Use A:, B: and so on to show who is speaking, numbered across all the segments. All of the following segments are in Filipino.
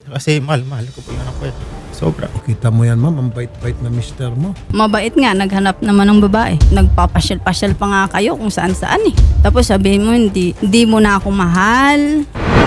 A: Kasi mahal ko po yung anak ko eh. Sobra.
B: Kita mo yan, ma'am, ang bait-bait na mister mo.
C: Mabait nga, naghanap naman ng babae. Nagpapasyal-pasyal pa nga kayo kung saan-saan eh. Tapos sabihin mo, hindi mo na ako mahal.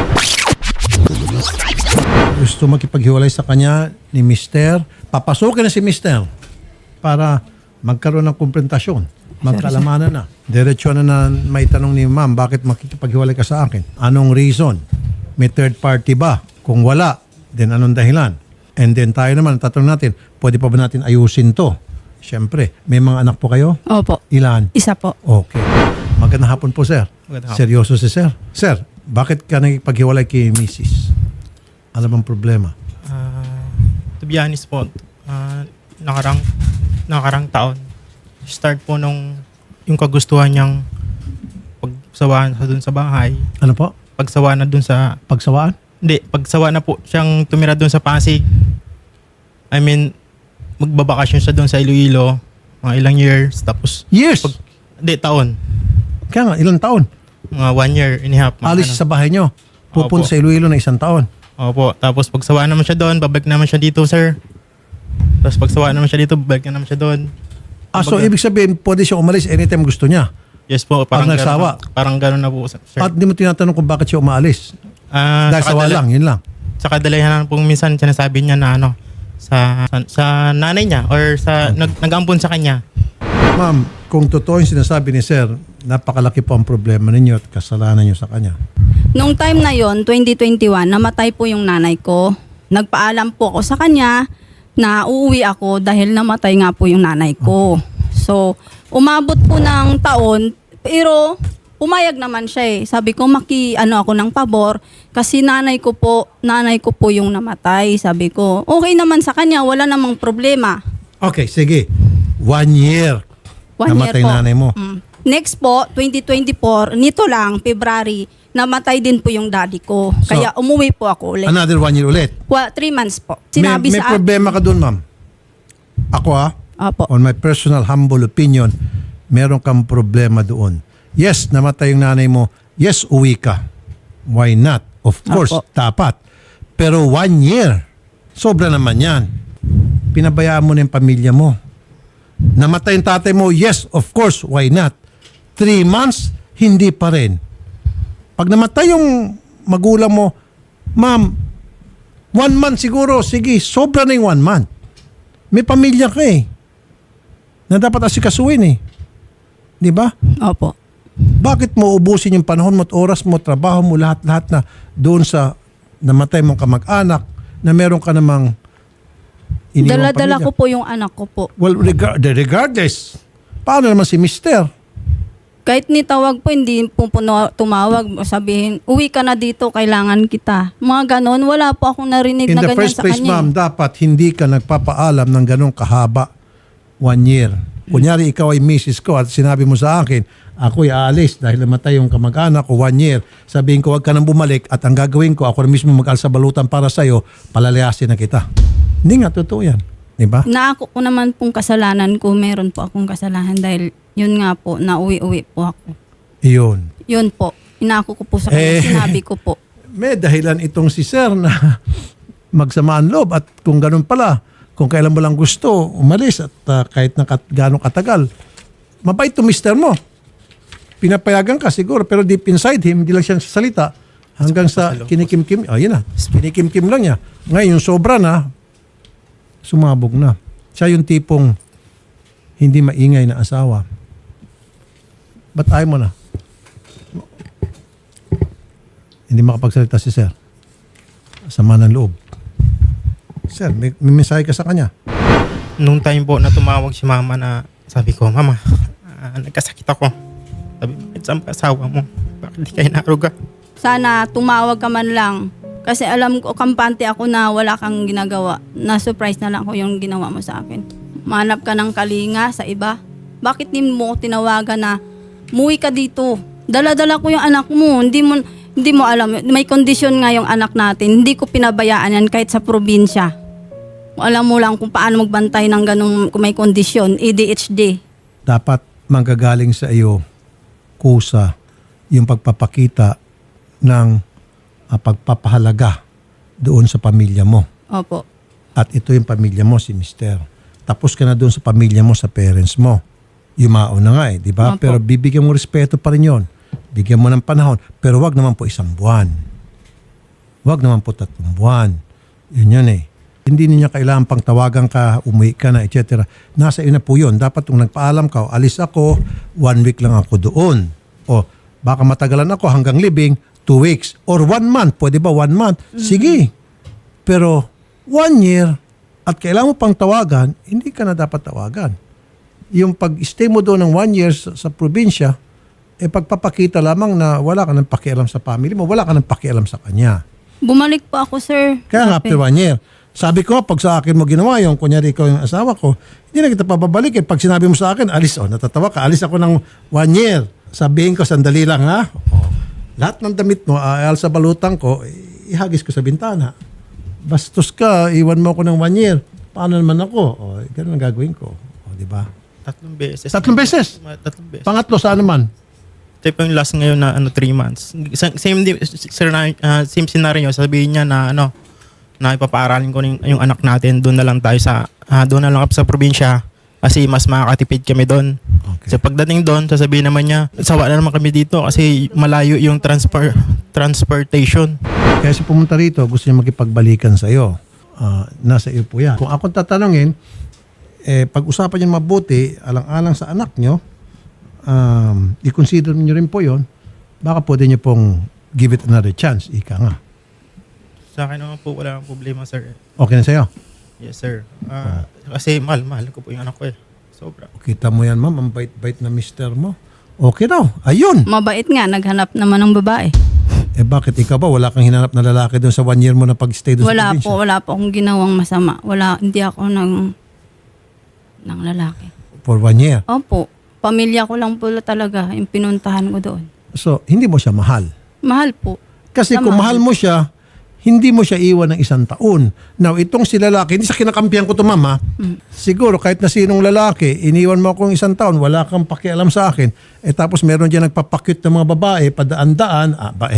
B: Gusto makipaghiwalay sa kanya ni mister. Papasukin na si mister para magkaroon ng konfrontasyon. Magkalamanan na. Diretso na may tanong ni ma'am, bakit makikipaghiwalay ka sa akin? Anong reason? May third party ba? Kung wala, then anong dahilan? And then tayo naman, tatanong natin, pwede pa ba natin ayusin to? Siyempre, may mga anak po kayo?
C: Opo,
B: Ilan?
C: isa po.
B: Okay. Magandang hapon po, sir.
A: Magandang hapon.
B: Seryoso si sir. Sir, bakit ka nagpaghiwalay kay Mrs.? Alam ang problema?
A: To be honest po, nakarang taon, start po nung yung kagustuhan niyang pagsawaan sa dun sa bahay.
B: Ano po?
A: Pagsawaan na dun sa...
B: Pagsawaan?
A: Hindi, pagsawa na po siyang tumira dun sa Pasig. I mean, magbabakasyon siya dun sa Iloilo, mga ilang years, tapos...
B: Years?
A: Hindi, taon.
B: Kaya nga, ilang taon?
A: Mga 1 year and a half. mga
B: Alis
A: ano.
B: sa bahay nyo. Pupunta
A: Opo.
B: sa Iloilo na 1 taon.
A: Opo, tapos pagsawa naman siya doon, babalik naman siya dito, sir. Tapos pagsawa naman siya dito, babalik naman siya doon.
B: So
A: Kumbaga-
B: ibig sabihin, pwede siya umalis anytime gusto niya.
A: Yes po,
B: Pag
A: parang
B: nagsawa?
A: Parang gano'n na po, sir.
B: At di mo tinatanong kung bakit siya umaalis. Dahil
A: Sa
B: sawa lang, yun lang.
A: Sa kadalahan po minsan sinasabi niya na ano, sa nanay niya or sa nag-ampon sa kanya.
B: Ma'am, kung totoo yung sinasabi ni sir, napakalaki po ang problema ninyo at kasalanan nyo sa kanya.
C: Nung time na yon 2021, namatay po yung nanay ko. Nagpaalam po ako sa kanya na uuwi ako dahil namatay nga po yung nanay ko. So, umabot po ng taon, pero pumayag naman siya eh. Sabi ko, ako ng pabor kasi nanay ko po yung namatay. Sabi ko, okay naman sa kanya, wala namang problema.
B: Okay, sige. 1 year.
C: 1 year
B: Namatay
C: po.
B: nanay mo.
C: Next po, 2024, nito lang, February, namatay din po yung daddy ko. Kaya umuwi po ako ulit.
B: Another 1 year ulit.
C: 3 months po. Sinabi
B: may
C: sa
B: problema ka doon, ma'am. Ako
C: Opo.
B: on my personal humble opinion, meron kang problema doon. Yes, namatay yung nanay mo. Yes, uwi ka. Why not? Of course,
C: Opo.
B: dapat. Pero 1 year, sobra naman yan. Pinabayaan mo na yung pamilya mo. Namatay yung tatay mo, yes, of course, why not? 3 months, hindi pa rin. Pag namatay yung magulang mo, ma'am, 1 month siguro, sige, sobra na yung 1 month. May pamilya ka eh. Na dapat asikasuhin eh. Di ba?
C: Opo.
B: Bakit mo ubusin yung panahon mo at oras mo, trabaho mo, lahat-lahat na doon sa namatay mong kamag-anak na meron ka namang iniwang
C: Dala-dala
B: pamilya?
C: ko po yung anak ko po.
B: Well, regardless, paano naman si mister?
C: Kahit nitawag po, hindi po tumawag. Sabihin, uwi ka na dito, kailangan kita. Mga ganon, wala po akong narinig
B: In
C: na
B: the
C: ganyan
B: first
C: sa
B: place,
C: kanya.
B: ma'am, dapat hindi ka nagpapaalam ng ganong kahaba 1 year. Kunyari, ikaw ay misis ko at sinabi mo sa akin, ako'y aalis dahil namatay yung kamag-anak ko 1 year. Sabihin ko, huwag ka nang bumalik at ang gagawin ko, ako na mismo mag-alsa balutan para sa'yo, palalayasin na kita. Hindi nga, totoo yan. Diba?
C: Na ako po naman pong kasalanan ko, meron po akong kasalanan dahil yun nga po, nauwi-uwi po ako.
B: Iyon.
C: Yun po, inako ko po sa kanya, sinabi ko po.
B: May dahilan itong si sir na magsamaan loob at kung ganun pala, kung kailan mo lang gusto, umalis at kahit na gano'ng katagal, mabait to mister mo. Pinapayagan ka siguro pero deep inside him, hindi lang siya sasalita hanggang sa kinikim-kim. Yun na, kinikim-kim lang niya. Ngayon, yung sobra na, sumabog na. Siya yung tipong hindi maingay na asawa. Ba't ayaw mo na? Hindi makapagsalita si sir. Sama ng loob. Sir, may mensahe ka sa kanya.
A: Nung time po na tumawag si mama na sabi ko, mama, nagkasakit ako. Sabi, bakit saan ka asawa mo? Bakit di kayo naruga?
C: Sana tumawag ka man lang. Kasi alam ko, kampante ako na wala kang ginagawa. Na-surprise na lang ko yung ginawa mo sa akin. Manap ka ng kalinga sa iba. Bakit di mo ko tinawagan na muwi ka dito? Dala-dala ko yung anak mo. Hindi mo alam. May kondisyon nga yung anak natin. Hindi ko pinabayaan yan kahit sa probinsya. Alam mo lang kung paano magbantay ng ganung kung may kondisyon. ADHD.
B: Dapat manggagaling sa iyo kusa yung pagpapakita ng pagpapahalaga doon sa pamilya mo.
C: Opo.
B: At ito yung pamilya mo, si Mister. Tapos ka na doon sa pamilya mo, sa parents mo. Yumao na nga di ba?
C: Opo.
B: Pero bibigyan mo respeto pa rin yun. Bigyan mo ng panahon. Pero wag naman po 1 buwan. Wag naman po 3 buwan. Yun Hindi niya kailangan pang tawagan ka, umuwi ka na, etc. Nasa iyo na po yun. Dapat kung nagpaalam ka, alis ako, 1 week lang ako doon. O baka matagalan ako hanggang libing, 2 weeks. Or 1 month. Pwede ba 1 month? Sige. Pero 1 year at kailangan mo pang tawagan, hindi ka na dapat tawagan. Yung pag-stay mo doon ng 1 year sa probinsya, pagpapakita lamang na wala ka ng pakialam sa family mo, wala ka ng pakialam sa kanya.
C: Bumalik po ako, sir.
B: Kaya nga,
C: Grabe.
B: after 1 year. Sabi ko, pag sa akin mo ginawa yung, kunyari ikaw yung asawa ko, hindi na kita pababalikin. Pag sinabi mo sa akin, alis, natatawa ka, alis ako ng 1 year. Sabihin ko, sandali lang ha. Lahat ng damit mo, aal sa balutang ko, ihagis ko sa bintana. Bastos ka, iwan mo ako ng 1 year. Paano naman ako? Ganun ang gagawin ko. Di ba?
A: 3 beses.
B: 3 beses?
A: 3 beses.
B: Pangatlo, saan naman?
A: Ito po yung last ngayon na 3 months. Same scenario. Sabihin niya na na ipapaaralin ko yung anak natin. Doon na lang tayo doon na lang sa probinsya. Kasi mas makakatipid kami doon.
B: Okay.
A: So pagdating doon, sasabihin naman niya, sawa na naman kami dito kasi malayo yung transportation.
B: Kaya si pumunta rito, gusto niya makipagbalikan sa iyo. Nasa iyo po yan. Kung akong tatanungin, pag-usapan niyo mabuti, alang-alang sa anak niyo, i-consider niyo rin po yon. Baka pwede niyo pong give it another chance. Ika nga.
A: Sa akin naman po, wala kang problema, sir.
B: Okay na sa iyo?
A: Yes, sir. Kasi mahal ko po yung anak ko Sobra.
B: Kita mo yan, ma'am. Ang bait-bait na mister mo. Okay daw. Ayun.
C: Mabait nga, naghanap naman ng babae.
B: Bakit ikaw ba? Wala kang hinanap na lalaki doon sa 1 year mo na pag-stay doon sa probinsya?
C: Wala po akong ginawang masama. Hindi ako ng lalaki.
B: For 1 year.
C: Opo, pamilya ko lang po talaga yung pinuntahan ko doon.
B: So, hindi mo siya mahal.
C: Mahal po.
B: Kasi kung mahal mo siya, hindi mo siya iwan ng 1 taon. Now, itong si lalaki, hindi sa kinakampihan ko to, mama. Siguro, kahit na sinong lalaki, iniwan mo akong 1 taon, wala kang pakialam sa akin, tapos meron dyan nagpapakyut ng mga babae, padaan-daan,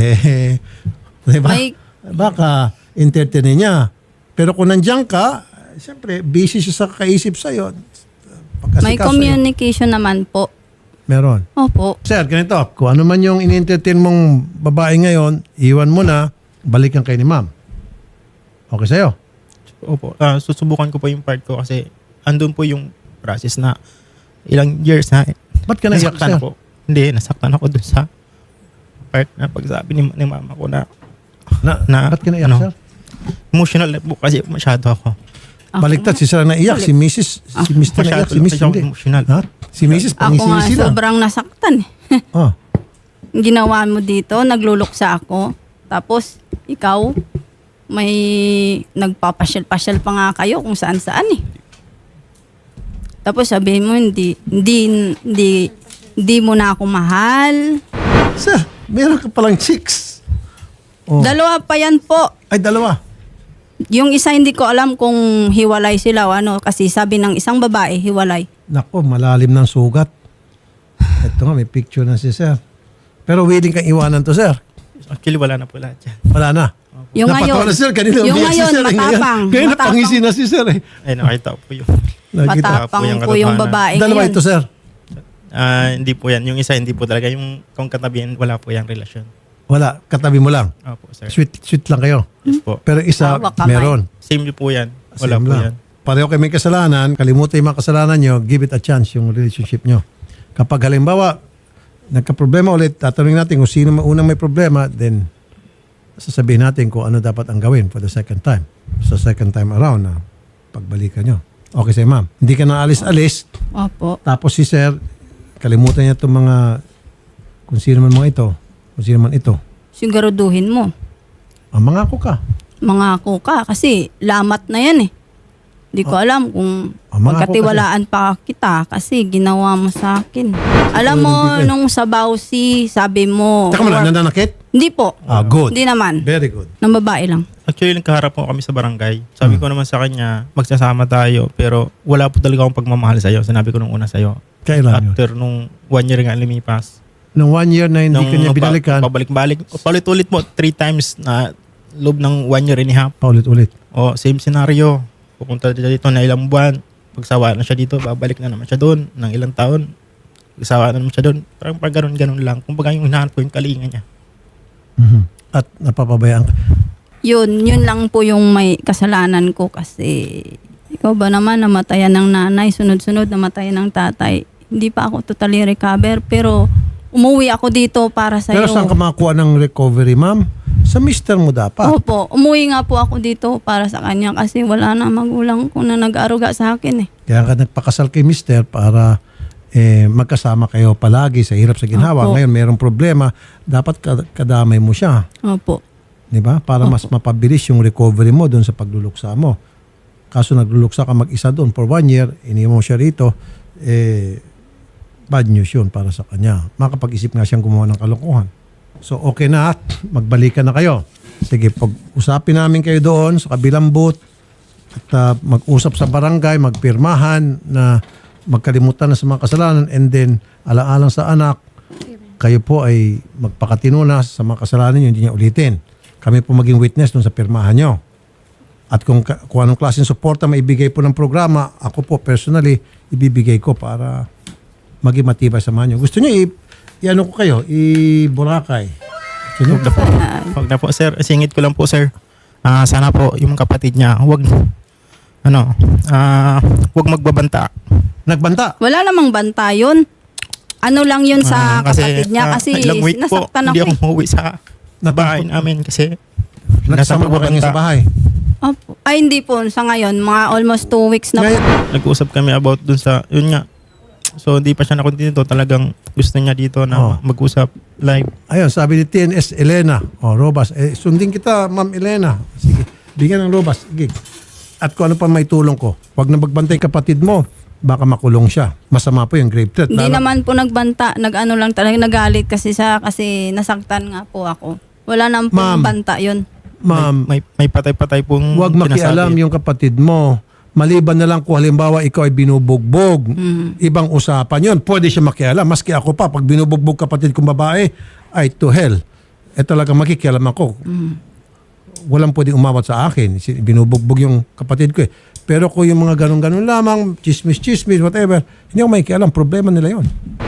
B: diba? Baka, entertainin niya. Pero kung nandiyan ka, siyempre, busy siya sa kakaisip sa'yo.
C: May communication naman po.
B: Meron.
C: Opo.
B: Sir, ganito, kung ano man yung in-entertain mong babae ngayon, iwan mo na, balikan kayo ni ma'am. Okay sa'yo?
A: Opo. Susubukan ko po yung part ko kasi andun po yung process na ilang years na
B: Ba't ka naiyak,
A: nasaktan
B: sir?
A: ako. Hindi, nasaktan ako dun sa part na pagsabi ni mama ko na
B: Ba't ka naiyak, sir?
A: emotional na po kasi masyado ako.
B: Baliktad, si sir naiyak, si Mrs. Si Mr. naiyak, si Mrs. hindi.
A: Emotional.
B: Ha? Si Mrs.
C: Ako nga
B: pangisisi lang.
C: sobrang nasaktan.
B: Oh.
C: Ginawa mo dito, nagluluksa ako. Tapos, ikaw, may nagpapasyal-pasyal pa nga kayo kung saan-saan Tapos sabihin mo, hindi mo na ako mahal.
B: Sir, meron ka palang chicks. Oh.
C: 2 pa yan po.
B: Ay, 2.
C: Yung isa hindi ko alam kung hiwalay sila o kasi sabi ng isang babae, hiwalay.
B: Nako, malalim ng sugat. Ito nga, may picture na si sir. Pero willing kang iwanan to, sir.
A: Actually, wala na po lahat yan.
B: Wala na.
C: Yung
B: Napatawa
C: ngayon,
B: na, sir. Kanina
C: yung
B: umiyak si
C: ngayon,
B: sir, eh.
C: matapang.
B: Ngayon napangisi na si sir.
A: Ay, nakita ko po yun.
B: Nakita.
C: Matapang
A: yung
C: po yung
A: katotohanan.
C: babae
B: 2
C: ngayon.
B: ito, sir.
A: Hindi po yan. Yung isa, hindi po talaga. Yung kung katabihan, wala po yung relasyon.
B: Wala, katabi mo lang.
A: Opo, sir.
B: Sweet lang kayo.
A: Yes po.
B: Pero isa,
C: Hawak kamay.
B: meron.
A: Same po yan. Wala
B: Same
A: po
B: lang.
A: yan.
B: Pareho kayo may kasalanan, kalimutan yung mga kasalanan nyo, give it a chance yung relationship nyo. Kapag halimbawa, nagka-problema ulit, tatanungin natin kung sino unang may problema, then sasabihin natin kung ano dapat ang gawin for the second time. Sa second time around na pagbalikan nyo. Okay sa'yo, ma'am. Hindi ka na alis-alis,
C: Opo.
B: tapos si sir, kalimutan niya itong mga, kung sino man mga ito, kung sino man ito.
C: Siguraduhin mo.
B: Mangako ka.
C: Mangako ka kasi lamat na yan Hindi ko alam kung
B: mangako
C: pagkatiwalaan pa kita kasi ginawa mo sa akin. Alam mo,
B: hindi ka-
C: nung sa Bausi, sabi mo...
B: Teka mo lang, nananakit?
C: Hindi po.
B: Good.
C: Hindi naman.
B: Very good.
C: Ng babae lang.
A: Actually, nagkaharap po kami sa barangay. Sabi ko naman sa kanya, magsasama tayo. Pero wala po talaga akong pagmamahal sa'yo. Sinabi ko nung una sa'yo.
B: Kailan yun?
A: After nung 1 year nga lumipas.
B: Nung 1 year na hindi ka niya binalikan,
A: Pabalik-balik. Palit-ulit mo 3 times na loob ng 1 year and a half.
B: Paulit-ulit.
A: O, same scenario. Pupunta siya dito na ilang buwan. Pagsawa na siya dito, babalik na naman siya doon ng ilang taon. Pagsawa na naman siya doon. Parang pag ganun lang. Kung baga yung hinahanap ko yung kalinga niya.
B: At napapabayaan ka.
C: Yun lang po yung may kasalanan ko kasi ikaw ba naman namatayan ng nanay, sunod-sunod namatayan ng tatay. Hindi pa ako totally recover pero umuwi ako dito para sa
B: Pero saan ka makakuha ng recovery, ma'am? Sa mister mo dapat.
C: Opo, umuwi nga po ako dito para sa kanya kasi wala na magulang ko na nag-aruga sa akin eh.
B: Kaya ka nagpakasal kay mister para magkasama kayo palagi sa hirap sa ginhawa.
C: Opo.
B: Ngayon mayroong problema, dapat kadamay mo siya.
C: Opo.
B: 'Di ba? Para mas mapabilis yung recovery mo doon sa pagluluksa mo. Kaso nagluluksa ka mag-isa doon for 1 year, iniwan mo siya rito, bad news yun para sa kanya. Makapag-isip nga siyang gumawa ng kalokohan. So okay na at magbalikan na kayo. Sige, pag-usapin namin kayo doon sa kabilang booth at mag-usap sa barangay, magpirmahan na magkalimutan na sa mga kasalanan and then alang-alang sa anak, kayo po ay magpakatino na sa mga kasalanan nyo, hindi niya ulitin. Kami po maging witness doon sa pirmahan nyo. At kung anong klaseng suporta maibigay po ng programa, ako po personally, ibibigay ko para maging matibay sa nyo. Gusto nyo i-ano ko kayo, i-Boracay. Sino?
A: Huwag na po, sir. Singit ko lang po, sir. Sana po yung kapatid niya, huwag magbabanta.
B: Nagbanta.
C: Wala namang banta yun. Ano lang yun sa kapatid niya kasi
A: ilang week po,
C: nasaktan
A: hindi
C: ako.
A: ako umuwi sa bahay namin kasi
B: Nagsama ba kayo sa bahay?
C: Opo. Ay hindi po, sa ngayon, mga almost 2 weeks na po.
A: nag-usap kami about dun sa, yun nga. So, hindi pa siya nakontinue. Talagang gusto niya dito na mag-usap live.
B: Ayun, sabi ni TNS Elena. Robas. Sundin kita, Ma'am Elena. Sige, bigyan ng Robas. Sige. At kung ano pa may tulong ko, huwag na magbantay kapatid mo. Baka makulong siya. Masama po yung grave threat.
C: Hindi naman po nagbanta, nag-ano lang talaga, nagalit kasi kasi nasaktan nga po ako. Wala naman po
B: Ma'am.
C: banta yun.
B: Ma'am,
A: May patay-patay pong
B: huwag makialam
A: sinasabi.
B: yung kapatid mo. Maliban na lang kung halimbawa ikaw ay binubugbog. Ibang usapan yun. Pwede siya makialam. Maski ako pa, pag binubugbog kapatid kong babae, ay to hell. Talaga makikialam ako. Walang pwedeng umawat sa akin. Binubugbog yung kapatid ko eh. Pero kung yung mga ganun-ganun lamang, chismis, whatever, hindi ako makikialam. Problema nila yon.